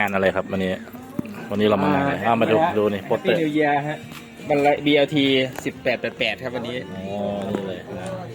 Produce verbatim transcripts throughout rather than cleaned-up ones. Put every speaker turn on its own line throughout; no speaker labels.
านอะไรครับวันนี้วันนี้เรามางานอะไรอ่ามาดูดูนี่โปสเตอร์
นิวเยียร์ฮะบันไล บี แอล ที สิบแปดแปดแปดครับวันนี้
อ๋อนี่เลย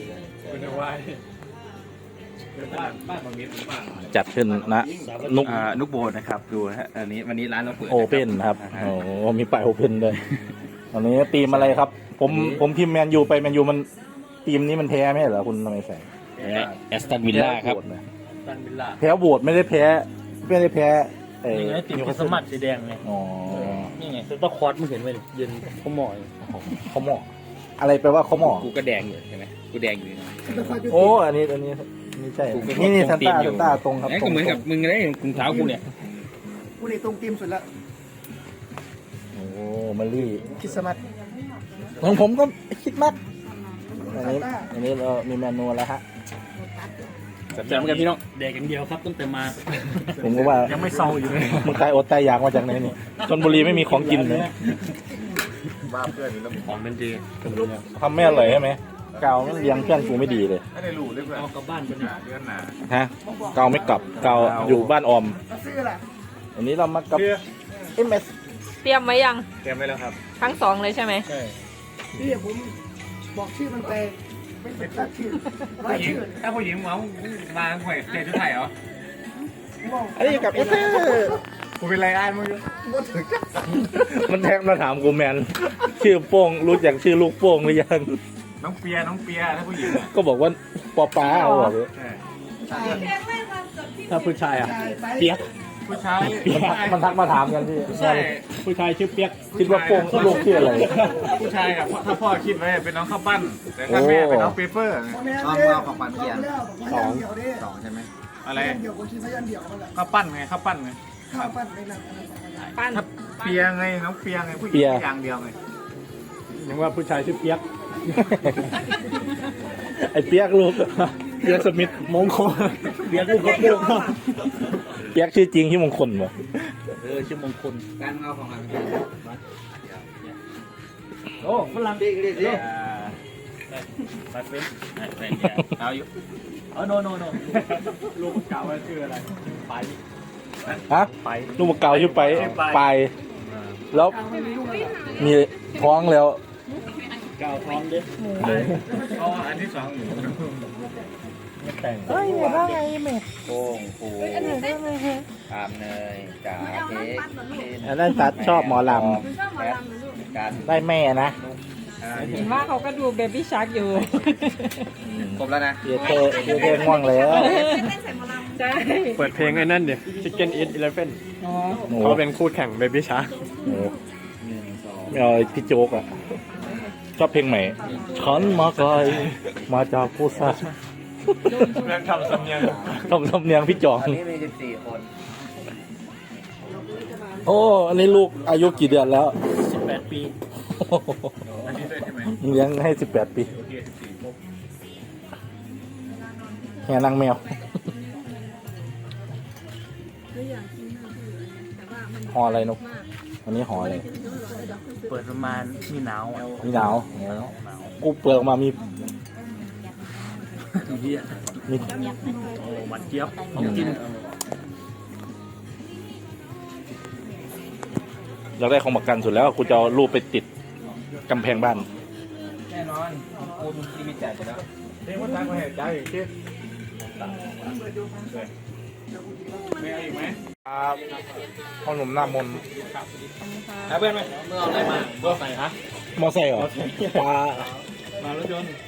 จัดขึ้นนะนุก
อ่านุกโบนนะครับดูฮะอันนี้วันนี้ร้านเราเปิด
โอเพ่นครับโอ้มีป้ายโอเพ่นด้วยวันนี้ทีมอะไรครับผมผมพิมพ์แมนยูไปแมนยูมันทีมนี้มันแพ้ไม่ใช่เหรอคุณทำไมแสง
แอสตันวิลล่าครับ
แพ้โหวตไม่ได้แพ้ไม่ได้แพ้ไอ้
นี่ไงติดสมัครสีแดงไง
อ๋อ
นี่ไงต้องคอร์สมึงเห็นไหมยืนเขาหมอย
เขาหมออะไรแปลว่าเขาหมอ
กูก็แดงอยู่ใช่ไหมกูแดงอยู่นะ
โอ้อันนี้อันนี้นี่ใช่นี่นี่ซันต้าซันต้าตรงครับ
ก็เหมือนกับมึงเลยถุงเท้ากูเนี่ย
กูนี่ตรงตีมสุดละ
โอ้มารี่
คริสต์มาส
ของผมก็คิดมากอันนี้อันนี้เรามีเมนูแล้วฮะ
จำกันพี่น้อง
แดกอย่างเดียวครับตั้งแต่มา
ผมก็ว่า
ยังไม่เศร้าอยู่เลย
มึงตายอดตายอยากมาจากไหนนี่ชลบุรีไม่มีของกินเลย
บ้าเพื่อนแล้วของเป็นดี
ทำไม่อร่อยใช่ไหมเกาเลี้ยงเพื่อนกูไม่ดีเลย
ไม่ได้รู้เลยเพื่อน
เอากลับบ้านไปดิ
เดือนหนา
ฮะเกาไม่กลับเกาอยู่บ้านออม
ซื้อละ
อันนี้เรามากับเอ็มเอส
เตรียมไว้ยัง
เตรียมไว้แล้วครับ
ทั้งสองเลยใช่ไหม
ใช่
นี่ผมบอกชื่อมันไปไม่เป็นตัดชื่อรายชื่อ
ถ้าผู้หญิงมามาห่วยเจ๊ชุดไทยเหรอ
อันนี้อยู่กับเอสเตอร์
กูเป็นไรอ้านมึงอยู่
มันแทงมาถามกูแมนชื่อโป้งรู้จักชื่อลูกโป้งหรือยัง
น้องเปียน้องเปียถ้าผู้หญิง
ก็บอกว่าปอป้าเอาบอกเลย
ถ้าผู้ชายอ่ะ
เปียก
ผู้ชาย
มันทักมาถามกันพี่
ใช่
ผู้ชายชื่อเปียก
คิดว่าโป้งลูกชื่ออะไร
ผู้ชายอะถ้าพ่อคิดไว้เป็นน้องข้าวปั้นแต่ถ้าแม่เป็นน้องเปเปอร์
เอาเอาของปันเกียร์สองสองใช่ไหม
อะไร
เดี่ยวคนคิดพยันเดี่ยวมันแหละ
ข้าวปั้นไงข้าวปั้นไง
ข้าวปั้นในนั้น
ปั้น
ถ้าเปียไงน้องเปียไงผู้หญิงอย่างเดียวไง
นึกว่าผู้ชายชื่อเปียก
ไอ้เปียกลูกเปียกสมิธ
มงคลเปียกลูกเขาโป่ง
เปียกชื่อจริงที่มงคลเหรอ
เออชื่อมงคล
การเอาของมัน
โอ้ฝรั่งดิดิดิไปเป็นเอาอยู่เออโนโนโนลูกเก่าชื่ออะไรไป
ฮะ
ไป
ลูกเก่าชื่อไป
ไป
ไปแล้วมีท้องแล้ว
เก่าท้องดิ
อ๋ออันที่สอง
ไม่แต่ง
เฮ้ยแม่ว่าไงแม่
โป่งปูตามเนยจ่าเค้ก
อันนั้นตัดชอบหมอล
การ
ำได้แม่นะ
เห็นว่าเขาก็ดูเบบี้ชาร์กอยู่
ครบแล้วนะ
เยเทเยเทง่วงแล้ว
ใช่
เปิดเพลงไอ้นั่นเดี๋ยว Chicken Eat Eleven
อ๋อ
โอ้
เขาเป็นคู่แข่ง Baby Shark
โหไม่เอาไอ้พี่โจ๊กอ่ะ ชอบเพลงใหม่ฉันมาไกลมาจากผู้สร้าง
เรื่องทำสำเนียง
ทำสำเนียงพี่จอง
ตอนนี้มีสิบสี่คน
โอ้ อันนี้ลูกอายุกี่เดือนแล้ว
สิบแปดปี
อันนี้ด้วยใช่ไหม
เลี้ยงให้สิบแปดปีแห่นางแมวหออะไรนกอันนี้หออะไร
เปิดประมาณมีหนาวอ่ะ
มีหนาวกูเปิดออกมามี
ทีเดีย
มี
โอ้หวานเจี๊ยบของกิน
เราได้ของประกันสุดแล้วกูจะเอารูปไปติดกำแพงบ้าน
แน่นอนคุณที่มีจ่ายไปแล้วเรียกว่าตั้งมาเหตุใจอีกทีไม่เอาอีกไหม
ครับพ่อหนุ่มหน้ามน
หาเพื่อนไหมเมื่อเอาอะไรมาเมื่อใส่ฮะ
มอไซค์เหรอปลาม
ารถยนต์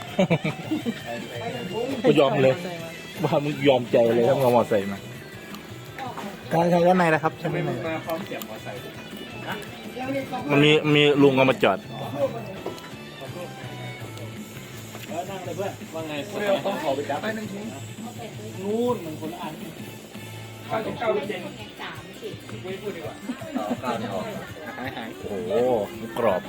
กูยอมเลยว่ามึงยอมใจเลยถ้ามึงเอามอไซค์มาการใช้ด้านในนะครับใช่ไหม
ไม่มาพร้อมเสียบมอไซค์
มันมีมีลุงเอามาจอด
แล้วนั่งเลยเพื่อนว่าไงเพื่อนต้องขอไปจับไปหนึ่งชิ้นนู่นมันคนละอัน
ข้าวเก้าเจนไม่พูดดีกว่าเก้าเนี่ยออกหายหาย
โอ้โหกรอบ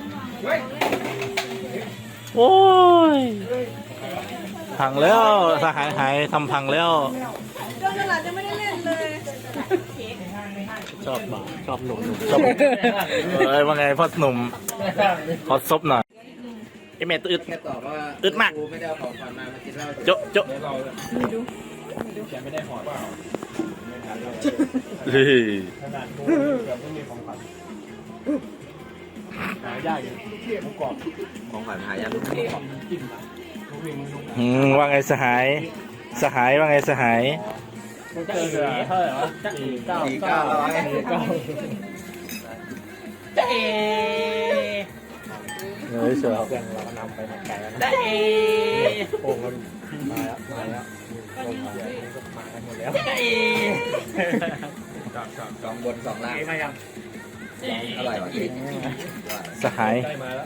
โอ้ย พังแล้วสหายหายทำพังแล้ว
โดนตลาดจะไม่ได้เล่นเลย
ชอบบ่าชอบหนุ่ม
ชอบเอ้ยว่าไงพ่อหนุ่มขอซบหน่อยไอเมตอึด
แค่ตอบว่า
อึดมาก
กูไม่ได้เอาของขวัญมามากินเหล้า
โจ๊ะโจ๊ะ
เดี๋ยวเราแกไม่ได้หอดเปล่า
เฮ้ย
ขนาดกูเกือบไม่มีของขวัญหายากอยู่หมูกรอบ
ของขวัญหายากลูกเทพ
จิ้มอะลูกวิ่งลูก
อืมว่าไงสหาย สหายว่าไงสหาย
มันเจอเสือเท่าไหร่วะสี่เก้า
สี่เก้าร้อย
สี่เก้าจะเอ
เฮ้ยเสือ
เพื่อนเราก็นำไปหมดไกลแล้ว
ได้
นะ
เอ
โป่งมันมาแล้วมาแล้วโป่งมาแล้วก็มากันหมดแล้ว
ได้เอ
จอดจอด
สองบนสองล่าง
เอมายัง
อร่อยว่ะพี่
สหาย
ใกล้มาแล้ว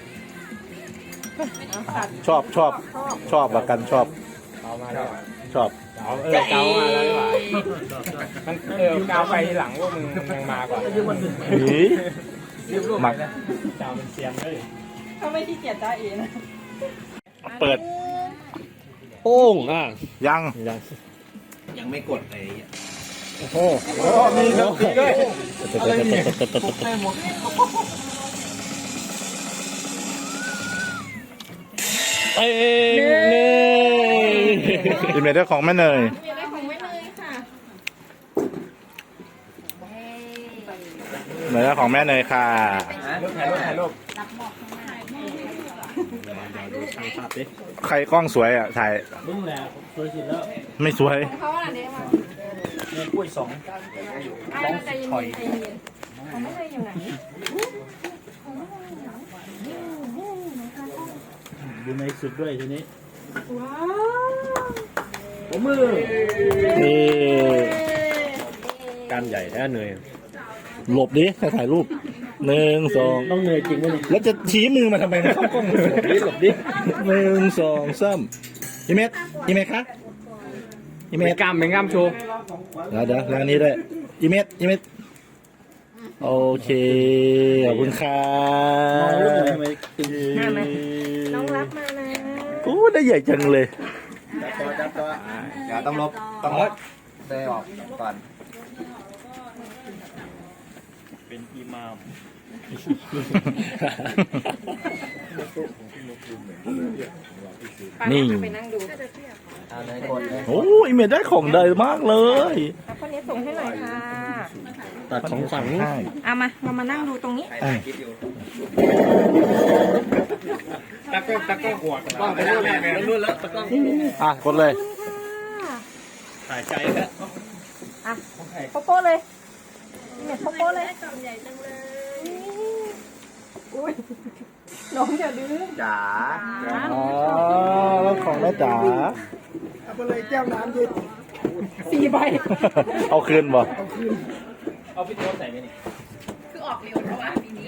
ชอบชอบชอบละกันชอบ
เอามาแล้ว
ชอบ
เอาเออเกามาแล้วดีกว่ามันเออเกาไปทีหลังว่ามึงยังมาก่อน
เฮ้ย
รีบรูปไปนะเจ้ามันเซียนเลย
เขาไม่ขี้เกียจได้เอนะ
เปิด
โป้งอ่ะ
ยัง
ยัง
ยังไม่กดไอ้
โอ้โหมีดนตรีด้วยอะไรเนี่ย
เอ้ยอิมเมจได้ของแม่เนย
มีอะไรของไม่เลยค่ะ
เนยได้ของแม่เนยค่ะ
รูปถ่ายรูปถ่ายรูป
ใครกล้องสวยอ่ะถ่าย
มึงแหละสวยสุดแล้ว
ไม่สวย
เขาอะไรเนี่ยมา
เนี่ยกล้วยสอง
ไอ้เราใจเย็นใจเย็นของไม่เลยอยู่ไหน
อยู่ในสุดด้วยทีนี้
ว้าว
ผมมือ
นี่
การใหญ่แท้เหนื่อย
หลบดิใครถ่ายรูปหนึ่งสอง
ต้องเหนื่อยจริงไหมเนี่ย
แล้วจะชี้มือมาทำไมนะเข้ากล้องหลบดิหลบดิหนึ่งสองสามอีเมจอีเมจคะอีเม
เป็
จ
นกล้ามเป็นกล้ามโชว์
เดี๋ยวเดี๋ยวแล้วอันนี้ด้วยอีเมจอีเมจโอเคขอบคุณค่ะ
มาไหมน้องรับมานะ
โอ้ได้ใหญ่จังเลย
จับตัวจับตัวเดี๋ยวต้องลบต้องลบได้ออกก่อน
เป็นอิมาม
นี่
ไปนั่งดู
เอาเลยกดเลย
โอ้อีเมจได้ของดีมากเลย
แล้วคนนี้ส่งให้หน่อยค่ะ
ตัดของฝัง
ใช่
เอามาเรามานั่งดูตรงนี้
ถ่ายคลิปอยู่
ตะก้องตะก้องหัวตะก้องไปแล้วแม่ไปแล้วแล้วตะก้อง
อ่ะกดเลย
ถ่ายใจแล้ว
อ่ะโปโป้เลยเนี่ยโปโป้เลยกล่องใหญ่จังเลยอุ้ยน้องอย่าดื้อ
จ๋า
อ๋อแล้วของแม่จ๋า
เอาไปเลยแก้วน้ำเย็น
สี่ใบ
เอาคืนบ่
เอาพี่โต๊ะใส่ไหมนี่
คือออกเร็วเพราะว่าปีนี้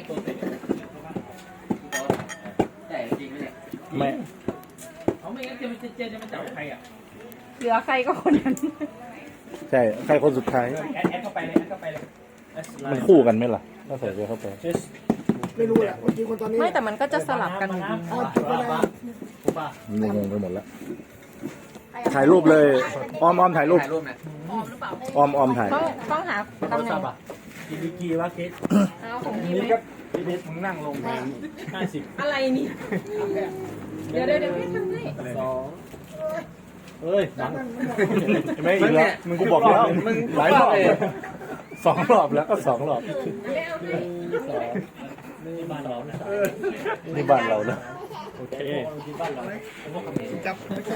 แต่จริงไหมเนี่ย
แม่
เขาไม่งั้นเจมันเจจะมาจับใครอ่ะ
เหลือใครก็คนนั้น
ใช่ใครคนสุดท้าย
แอดแอดเข้าไปเลยแอดเข้าไปเลย
มันคู่กันไหมล่ะถ้าใส่ไปเข้าไป
ไม่รู้แหละคนจริงคนตอนนี้
ไม่แต่มันก็จะสลับกัน
เอาจุดไปเลย
งงไปหมดแล้วถ่ายรูปเลยออมออมถ่ายรูป
ถ่ายรูปหน่อย
ออมออมถ่าย
ต้องต้องหา
โท
ตำ
ร
แหน่
ศั
ง
พท์อ่ะกีบีกีวะเคส
เอาของพี่
นี่
ไหม
ก็พี่เบสมึงนั่งลงไปห้าสิบ
อะไรนี่เดี๋ยวเดี๋ยวเดี๋ยวพี่ทำให้
สองเอ้ยบัง
ไม่อีกแล้วมึงกูบอกแล้วมึงหลายรอบเลยสองรอบแล้วก็สองรอบ
ไม่เอาให้
สองนี่บ้านเรานะ
นี่บ้านเรานะ
โอเคที่บ้านเรา
จับ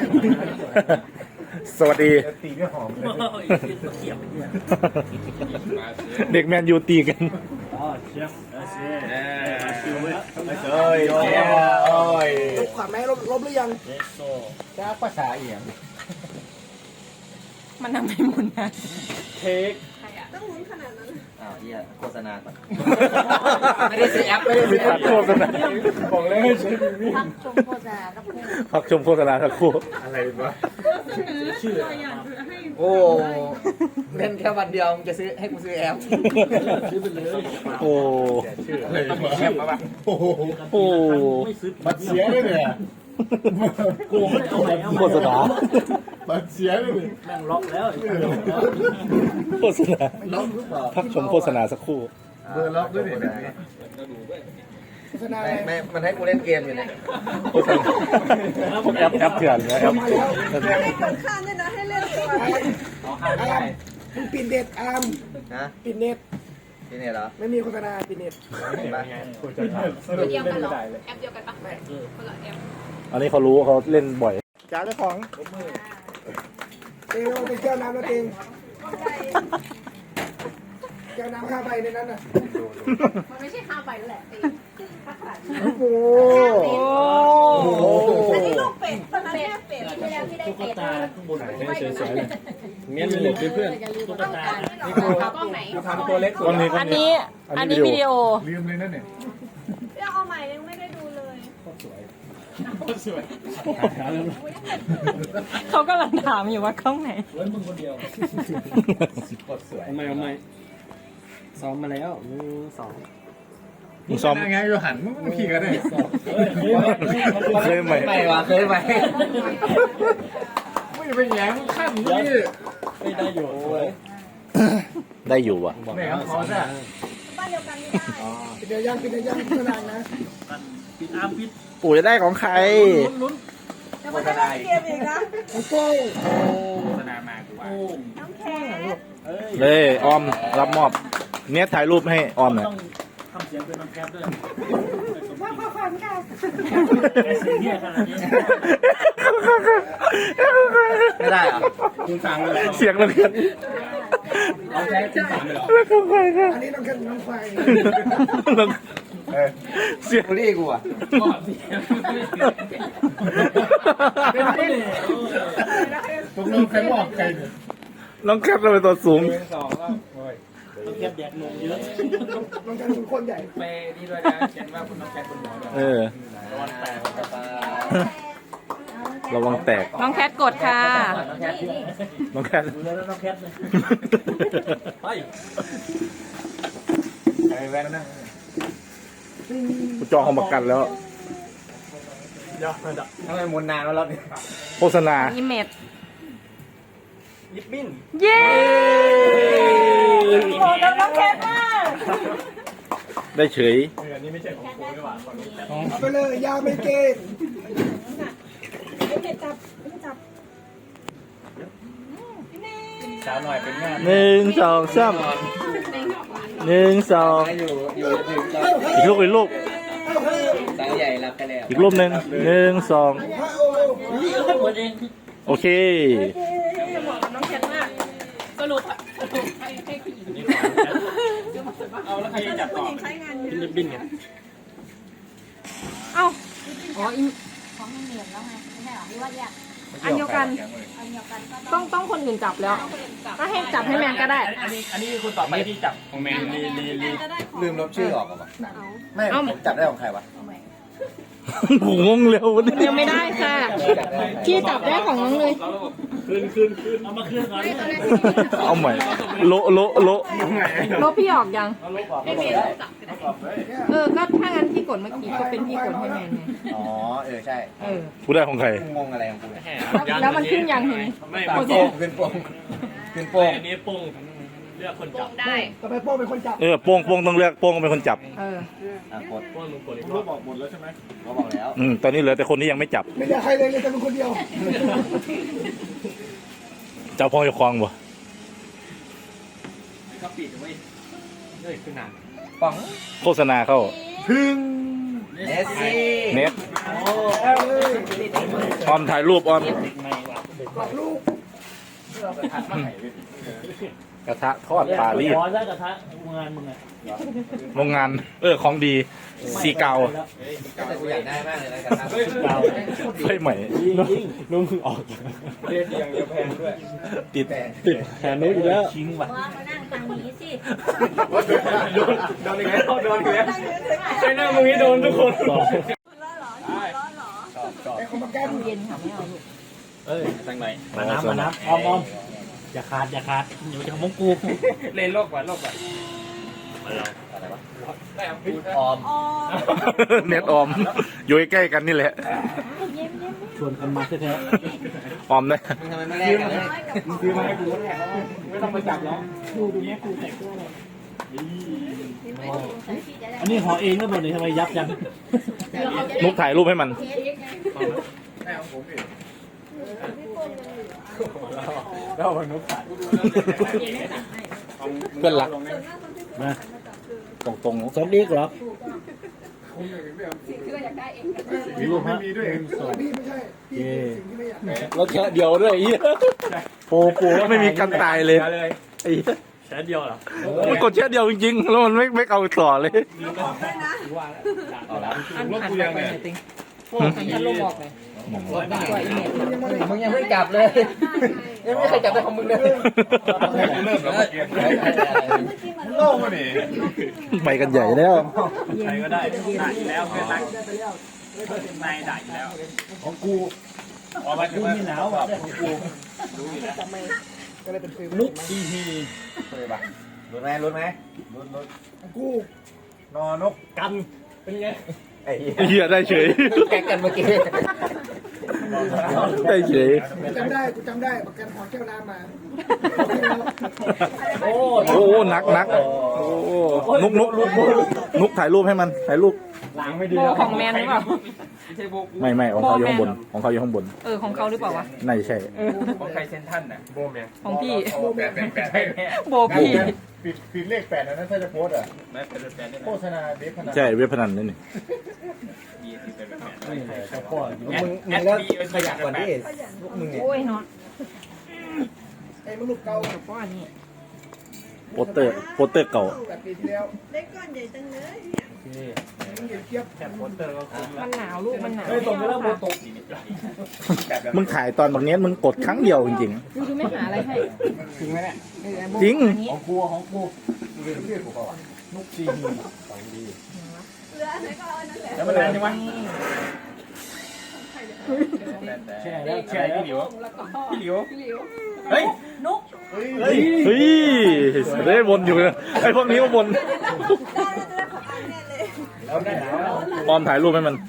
สวัสดี เด็กแมนยูตีกัน
อ๋อเชียงเออเชียงเออชิวเลย
เอ้ยโอ้ยโอ้ย
ลบขาดไหมลบลบหรือยัง
เอสโซ
จ้าภาษาเอียง
มันทำให้หมุนนะ
เค้ก
อ้าวเฮียโฆษณาก่อนไม่ได้ซื้อแอปไม่ได้
มี
ซื้อแอ
พั
ป
กโฆษณา
บอกเลยให้ใช้
พักชมโฆษณากับคู่
พักชมโฆษณาสักครู่
อะไรวะชื่ออะไร
โอ้เล่นแค่วันเดียวมึงจะซื้อให้กูซื้อแอป
ชื่อไปเลย
โอ้
ชื่ออะไรวะ
แอปมาปะ
โอ้โอ้
ไม่ซื้อ
บัตรเสียเลยเนี่ย
กูไม่เอาไหนเอา
โฆษณา
บัตรเสียเลยเนี่ย
แม่งล็อกแล้ว
โฆษณา
ล็อกหรือเปล่า
พักชมโฆษณาสักครู่
เบอร์ล็อกด้วยเนี่ย
โฆษณา
ไม่ไม่มันให้กูเล่นเกมอยู่เนี่ย
โฆษณาพวกแอปแอปเถื่อนนะแอป
มาแล้ว
ให้คนข้ามด้วยนะให้เล่นก่อน
เอาห้าได้
มึงปิดเน็ตอาร์ม
นะ
ปิดเน็ต
ที่นี่เหรอ
ไม่มีโฆษณาปิดเน็ต
เห็นปะ
ตัวเดียวกันเหรอแอปเดียวกันปะคนละแอป
อันนี้เขารู้เขาเล่นบ่อย
จ้าเจ้าของเต็งเอาไปแก้วน้ำแล้วเต็งแก้วน้ำข้าไปในนั้นน่ะ
มันไม่ใช่ห้าใบแล้วแหละตี
โอ้โห
อันนี้ลูกเป็ดตอนนั้นแม่เป็ดที่แล้วที่ได้เป็ดไม่สวยๆ
เงี้ยเลยเพื่อนตุ๊กตา
นี่คือกล้องไหน
ทำตัวเล็กสุด
อันนี้
อันนี้อันนี้วิดีโอ
ลืมเลยนั่นเนี่ย
เรื่องเอาใหม่ยังไม่ได้ดูเลย
สวย
เขากำลังถามอยู่ว่ากล้องไหน
เว้นมึงคนเดียวกดสวยทำไมทำไมซ้อมมาแล้วหนึ่งสอง
มึงซ้อม
ไงอยู่หันมึงมึงขี่กันได้
เคยไหม
ไม่วะเคยไหม
ไม่ไปแย้งขั้นนี่
ไม่ได้อยู่
ได้อยู่อ่ะ
แหมเขาจะ
บ้านเดียวกันไม่ได้
ปิดเดี๋ยวยังปิดเดี๋ยวยังโฆษณานะ
ปิดอาร์มปิด
ปู่จะได้ของใคร
ลุ้น
แต่มันได้เกมอีกนะ
โอ้โห
โฆษณามากูว่า
น้ำแข็ง
เลยออมรับมอบ เนี้ยถ่ายรูปให้ออมหน่อย
ต้องทำเสียงเป็นน้ำแคบด้วย
ว่าพอฟังค่ะ
ไอ้สิ่งนี้ขนาดนี้
ไม่ได้เหรอ
คุณฟังเลย
เสียงระเบิด
เอาแค่คุณฟังเลยหรอ
แล้วก็ไปค่ะ
อันนี้ต้องขึ้นน้ำไฟ
เสียง
บุรีกูอ่ะ
ตกลงใครบอกใครเนี่ย
น้องแคปเราเป็นตัวสูง
สองก็โอ้ยต้องแคบแดดลงเยอะ
ต้องการเป็นคนใหญ่
ไปนี่ด้วยนะเขียนว่าคุณต้องแคบคุณหมอด้วย
เออ ระวังแตก
น้องแคทกดค่ะ
น้องแคท
ดูแล้วต้องแคบเลยไป
ไอ้แว่นนะ
กูจองของประกันแล้ว
ทำไมมุนนานวะรอบนี้
โฆษณา
อีเมด
ยิบบิ้น
เย้โหกับน้องแคทมาก
ได้เฉย
อันนี้ไม่ใช่ของกูนี่หว่าของนี้แต่
เอาไปเลยยาไม่เกณฑ์
เมดจับจับ
สาวหน่อยเป็นงาน
หนึ่งสองสามหนึ่งสอง
อยู่อยู่ถึงตอน
อีกลูกอีกลูก
สาวใหญ่รับไปแล้ว
อีกรูปหนึ่งหนึ่งสอง
พระโอ้โห
หมดเอง
โอเค
เหมาะกับน้องแคทมากสรุปสรุปให้ให้ผู้หญิง
เอาแล้วใครจะจับต่อเป็นยิบบิ้นไง
เอ้าอ๋ออิ
ของมันเหนียวแล้วไงไม่ใช่หรอหรือว่าแยก
อันเดียวกัน
อันเดียวกันก็
ต้องต้องคนอื่นจับแล้วถ้าให้จับให้แมนก็ได้
อันนี้อันนี้คุณต่อไปที่จับของแมนลีลีลี
ลืมลบชื่อออกอ่ะไม่จับได้ของใครวะ
ผมงงเร็ววันนี้
ยังไม่ได้ค่ะ พี่จับได้ของน้องเลย
คืนคืนคืนเอามาคืนก่อน
เอาใหม่ โละโละโละ
ลบพี่ออกยัง
เอาลบออกไม่เป็นจับ
เออ ก็ถ้างั้นพี่กดเมื่อกี้ก็เป็นพี่กดให้แมนไง
อ๋อเออใช่
เออ
กูได้ของใคร
งงอะไรของกู
แล้วมันขึ้นยังเห็น
ไม่
ขึ้น
โป้
โป่
ง
งขึ้นโป่งขึ้นโป่ง
อันนี้โป้งเลือกคนจับ
ได้
ต่อไปโป้เป็นคนจับ
เออโป้งโป้งต้องเลือกโป้งเป็นคนจับ
เออ
อ่ะกด
โป้งมึงกดอีกร
รู
อ
ป
บ
บอกหมดแล้วใช่ไหม
ก็บอกแล้ว
อืมตอนนี้เหลือแต่คนที่ยังไม่จับ
ไม่ได้ใครเลยเลยแต่เป็นคนเดียว
เจ้าพ่อเจ้าคลองบ่
ก็ปิดไว้เฮ้ยขึ้นนาน
ป๋อง
โฆษณาเข้า
เนสซี่
เน็ตออมถ่ายรูปออม
ไม่ว่ะ
บอกลูก
กระทะทอดปลาลีด
ร้อนแล้วกระทะงานมึงอ่ะ
โรงงาน เออ ของดีซีเกา
แต่กูอยากได้มากเลยนะกระทะ
เรา
ไฟใหม่
นุ่มออกเรียกอย่างเดียวแพงด้วย
ติด
ติดแขนนู้นอีกแล้วชิงว่ะ
ว่ามานั่งทางนี้สิ
โดนโดนอีกแล้วโดนอีกแล้วใช่หน้ามึงนี่โดนทุกคน
ไอ้คนมาแก้ม
เย็นค่ะไม่เอาลูก
เอ้ยตั้งไหนมาน้ำมาน้ำออมออมอย่าขาดอย่าขาดอยู่จะมงกูเล่นโลกกว่าโลกกว่าอะไรวะได้ครับพูดออม
เน็ตออม อยู่ใกล้ๆกันนี่แหละ
ชวนกันมาแท้
ออมนะ
มึงทำไมไม่แลกกันเลย
ๆมึงซื้อมาให้กูแท้ไม่ต้องมาจับแล้วดูดูเนี้ยกูใส่เสื้อเลยอันนี้ห่อเองแล้วหมดเลยทำไมยับยัง
นุกถ่ายรูปให้มัน
แม่ของผมเอง
อ
แล้วมันนุ๊กขาด
เพื่อนรัก
มา
ตรงตรง
สมอีกเหรอ
สิ่งที่เราอยากได้เอง
มีรูปไม่มีด้วย
พี่ไม่ใช่พี่สิ่งที่ไม่อยากได้
แล้วแค่เดียวด้วยไอ้เหี้ยปูปูแล้วไม่มีกันตายเลยไอ้เหี้ย
แค่เดียวเหรอ
มันกดแค่เดียวจริงๆ แล้วมันไม่ไม่เอาต่อเลย
เอาละ
อันหันไปไปไหนติงหันยันลงออกเลยตัวอีเมล
มึงยังไม่จับเลย ยังไม่เคยจับได้ของมึงเลย
เริ่มแล้วเมื่อกี้โล่งมาดิ
ไปกันใหญ่แล้ว
ใครก็ได้ด่าอยู่แล้วเพื่อนรักนายด่าอยู่แล้ว
ของกูออกมาถึงมีหนาวแบบของกู
ก็เลยเป็นฟิล
นุ๊กทีฮี
เลยปะ
รู้ไหมรู้ไหม
ลุ้นลุ้น
กู
นอนก
กันเป็นไง
ไอ้
เหี้ยได้เฉย
แกกันเมื่อกี้
ได้เฉย
กูจำได้กูจำได้ประกันหอแก้วน้ำมา
โอ้
โอ้นักนักโอ้นุกนุกนุกถ่ายรูปให้มันถ่ายรูป
หลังไม่ดี
โบของแมนหรือเปล่า
ไม่ใช่โบกู
ไม่ไม่ของเขาอยู่ข้างบนของเขาอยู่ข้างบน
เออของเขาหรือเปล่าวะ
น่าจะใช่
ของใครเซนทันน่ะโบแมน
ของพี่
แปดแปดแปด
ใช่แม่
โบพี่
ปิดปิดเลขแปดนะนั่นถ้าจะโพสอ่ะ
แม่เป็นแฟนได้ไหม
โฆษณาเด็กขนาด
ใช่เว็บพนันนี่นี่
ยี่สิบเป็นแฟน
เจ้าพ่อ
มึงมึงแล้วขยับก่อนดิลูกมึงเนี่ย
โอ้ยนอน
ไอ้มนุษย์เก่า
เพราะอันนี้
โปสเตอร์โปสเตอร์เก่า
แบบปีที่แล้ว
เล็กก้อนใหญ่จังเลย
มันเห็นเทียบ
แค่โปสเตอร์ก็คุ้ม
มันหนาวลูกมันหนาว
เฮ้ยตรงไปแล้วโบตก
มึงถ่ายตอนแบบนี้มึงกดครั้งเดียวจริง
ดูดูไม่หาอะไรให้
จริงไหมเนี่ย
เออโบ
จริง
อันนี้
ของกูของกูเรียกเรียกกูก่อนนุ๊กทีฮีของดี
เหลือไหนก็เอานั่นแหละ
แล้วมันนานยังวะแช่แล้วแช่พี่หลิวพี่หลิวเฮ้ย
นุ๊ก
ๆ เฮ้ยได้วนอยู่นะไอ้พวกนี้มาวน
ได้ได้ของอันแน่เลย
แล้วได้หนาว
ปลอมถ่ายรูปให้มัน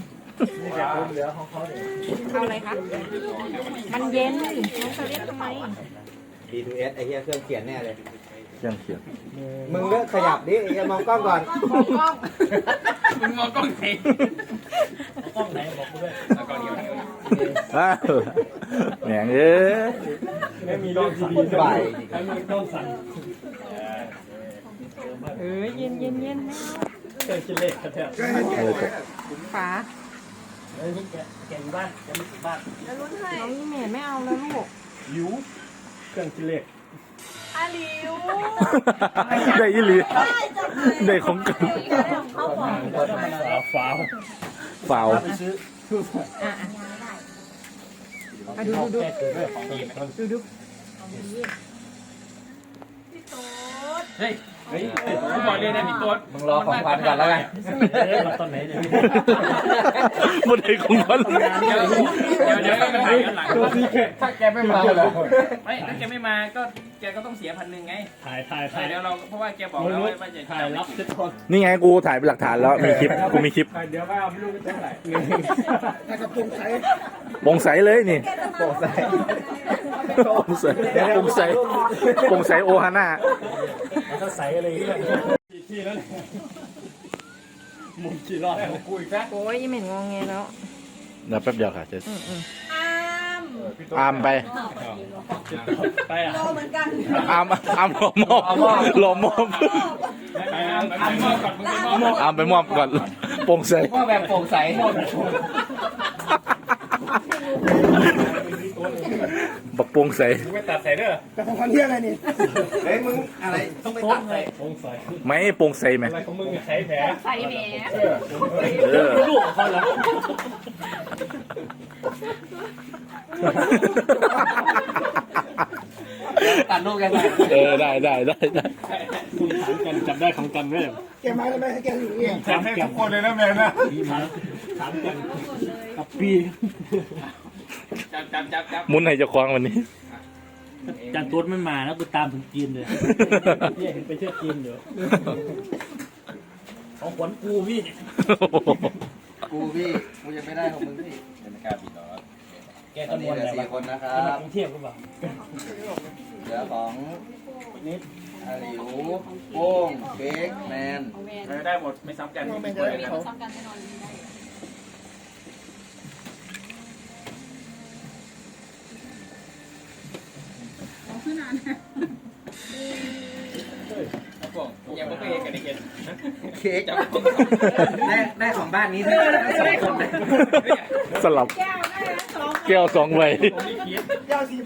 เอาอะไรคะมันเย็นน้องจะเรียกทำไม
ดี ทู เอสไอ้เหี้ยเครื่องเขียนแน่เลย
เครื่องเขียน
มึงเลิกขยับดิไอ้มองกล้องก่อน
มองกล้อง
มึงมองกล้องไหนกล้องไหนบอกกูด้วยกล้องเดียว
อ้าวแหมงเอ้ย
ไม่มีเรื่องดีๆ
บ่าย
ให้มึงต้องสั่น
เออเย็นเย็นเย็นแม่
เคยกินเล็กแท้
ก็ให้แก
เออจบ
ฝา
เฮ้ยแกแกอยู่บ้านแกไม่ถึงบ้าน
แล้วลุ้นให้
น้องอีเมลไม่เอาแล้วลูก
หิวเครื่องกินเล็ก
อาลิว
ได้ยี่หลี
ได้จังเลย
ได้ของกัน
เขาบอก
ฟ้าว
ฝ่าว
อ่ะอ่ะอ่ะดูดูดู
แกคือเรื่องของดีไหม
ดูดู
พี่โต๊ด
เฮ้ยเฮ้ยผมบอกเลยนะพี่ตัว
มึงรอของขวัญก่อนแล้วกัน
ตอนไหนเนี่ย
หมดไอ้ของกัน
เดี๋ยวเดี๋ยวเดี๋ยวไปถ่ายกันหลัง
ถ้าแกไม่มาเลย
ไม่ถ้าแกไม่มาก็แกก็ต้องเสียพันหนึ่งไง
ถ่ายถ่าย
ถ่ายเดี๋ยวเราเพราะว่าแกบอกแล้วว่าจะถ่ายรับเซ็ตคน
นี่ไงกูถ่ายเป็นหลักฐานแล้ว มีคลิป กูมีคลิป
เดี๋ยวก็เอาไม่รู้จะเท่าไหร่
แต่กับปรุงใช้
โปร่งใสเลยนี่
โปร่งใส
โปร่งใสโปร่งใสโปร่งใสโอฮาน่า
ก็ใส่อะไรอย่างเงี้ยที่นั่นมุมกี่รอบกูอีกแล้ว
โอ้ยอีเมลงงแงแล้ว
เดี๋ยวแป๊บเดียวค่ะจะ
อืมอืม
อาม
อามไป
ไปอ่ะ
โตเหมือนกัน
อามอามหลอมอบหลอมอบ
ไปอ่ะไปมอบก่อนมึงไปมอบ
อามไปมอบก่อนโปร่งใส
ว่าแบบโปร่งใส
บักโปร่งใส
มึงไปตัดใส่เด้อ
แต่ของขวัญเที่ยอะไรนี่
เฮ้ยมึงอะไรต้องไปตัดใส่
สงสัย
ไม่โปร่งใสไหม
อะไรของมึงใช้แผล
ใส่แหม
เออ
ลูกของเขาแล้ว
ตัดรูปกันไป
เออได้ได้ได้ได้
คุณถามกันจำได้ของกันไหม
แกมาแล้วไหมให้แกอยู่นี่
ถามให้ทุกคนเลยนะแมนนะ
ถามกันกับปีจับจับจับจับ
มุนให้เจ้าของวันนี้
จันตัวไม่มาแล้วกูตามถึงจีนเลยพี่เห็นไปเที่ยวจีนเดี๋ยวของขวัญกูพี่
กูพี่กูยังไม่ได้ของมึงพี่
ไม่กล้าบินหรอแก
ต
ก็
อน
ม
นี้
วน
เหลือ
แต่
สี่คนนะครั
มา
บ
กรุงเทพหรือเปล่า
เหลือของ
นิด
อาหลิวโป้งเค้กแมน
ได้หมดไม่ซ้ำกัน
แม่งจะได้เขา
ซ้ำกันแน่นอนได้
ข
ยังไม่เคยเห็นกันอีกเห็น
เค้กได้ได้ของบ้านนี้ทั้งสองคนเลย
สลับ
แก้วได้นะสอง
แก้วสองใบ
เจ้าสี่ใบ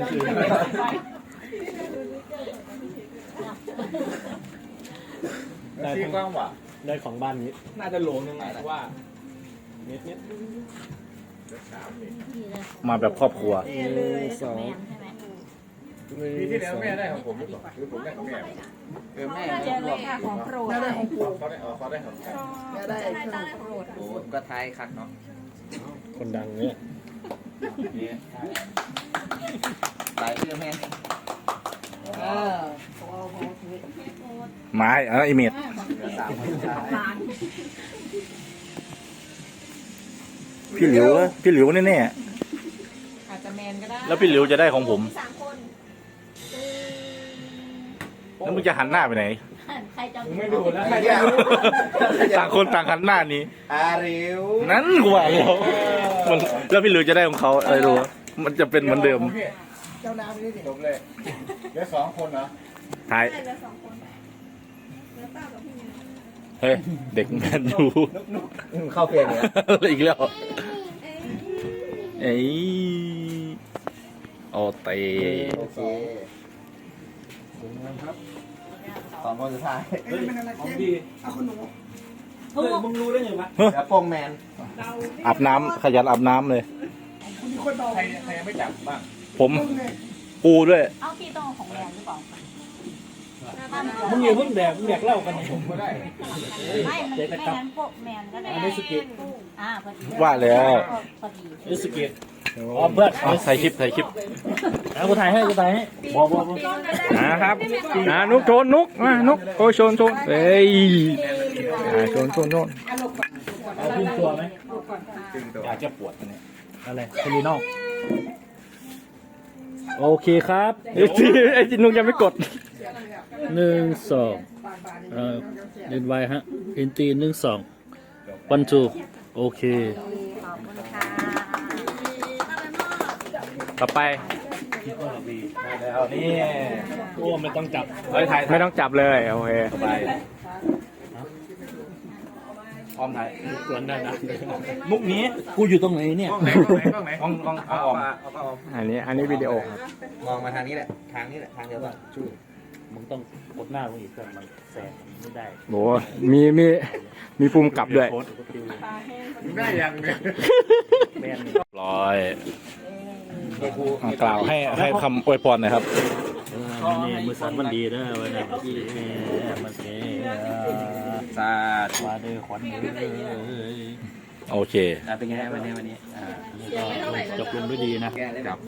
ได้ที่กว้างว่ะได้ของบ้านนี้ น่าจะโหลนึงไงเพราะว่าเม็ดเนี้ย
มาแบบครอบครัว
สอง
ปีที่แล้วแม่ได้ของผมหรือเปล่าหรือผมได้ของแม่เออแม่
เจอเลยค่ะของโปรด
แม่ได้ของปู่
เขาได้เอาเขาได้ของแม่
แม่ได้เครื่อง
โปรด
โอ้ก็ท้ายคักเนาะ
คนดังเนี่ย
หลายเรื่องแม่
เออของเราของเราคือ
ไม้อ่ะไอเมด
สามคน
ร้าน
พี่หลิวพี่หลิวแน่
อาจจะแมนก็ได้
ๆแล้วพี่หลิวจะได้ของผม
สามคน
แล้วมึงจะหันหน้าไปไหน
ใครจะ
ไม่ดูแล้ว
ใครจะรู้
ต่างคนต่างหันหน้านี้
อาริว
นั้นกูว่าแล้วมันแล้วพี่หลิวจะได้ของเขาอะไรรู้วะมันจะเป็นเหมือนเดิม
เจ้าน้ำไปนี่ดิ
จบเลยเหลือสองคนเหรอ
ท้าย
ได้เหลือสองคนเหลือป้ากับพี่เมย์
เฮ้ยเด็กแมนยู
เข้าเพลงเลย
อะไรอีกแล้วเอ้ยโอเต
โอเคสองคนสุดท้าย
เอ้ยเป็นอะไรเจ๊เอาคนหนู
เฮ้ยมึงรู้ได้ไงวะ
แล้วโป้งแมน
อาบน้ำขยันอาบน้ำเลย
คุณมีคนเบา
ใครใครยังไม่จับบ้าง
ผม
มึงไง
ปูด้วย
เอาพี่ต้องของแมนหรือเปล่า
มึงอย่าเพิ่งแดกมึงแดกเหล้ากันผมก็ได้
ไม่มันไม่งั้นพวกแมนก็ได้
อันนี้สกิล
อ่าพอดี
ว่าแล้ว
พอดี
นี่สกิลอ๋อเพื่อน
เอาใส่คลิปใส่คลิป
เอากูถ่ายให้กูถ่ายให้บอกบอกบอก
นะครับอ่านุกโชนนุกมานุกโอ้ยโชนโชนเอ้ยอ่าโชนโชนโชน
เอาขึ้นตัวไหม
ตึงตัว
อยากจะปวดเนี่ย
อะไรเทลินอลโอเคครับ
ไอ้ที่ไอ้ที่นุกยังไม่กด
หนึ่งสองเอ่อเล่นไวฮะอินตีหนึ่งสองวันจูโอเค
ขอบคุณค่ะ
ต่อไป
แล้วนี่โอ้ไม่ต้องจับ
เฮ้ยถ่ายไม่ต้องจับเลยโอเคต่อไปพร้อมถ่าย
สวนได้นะ
มุกนี้
กูอยู่ตรงไหนเนี่ย
กล้องไหนกล้องไหนกล้องไหน
กล้องกล้อง
เอา
เอาออก
มาเอาเอา
อันนี้อันนี้วิดีโอครับ
มองมาทางนี้แหละ ทางนี้แหละ ทางเดียวกันชู้
มึงต้องกดหน้ามึงอีกเพื่อนมันแสงไม่ได้
โหมีมีมีภูมิกับด้วย
ได้ยังเนี่ย
แมน
ร้อยอ่ะกล่าวให้ให้คำอวยพรหน่อยครับ
นี่มือสันมันดีนะวันนี้มันเสีย
สาธุ
มาเด้อขวัญเอ้ย
โอเค
เป็นไงวันนี้วันนี้
ก็จบลงด้วยดีนะ
แกเลย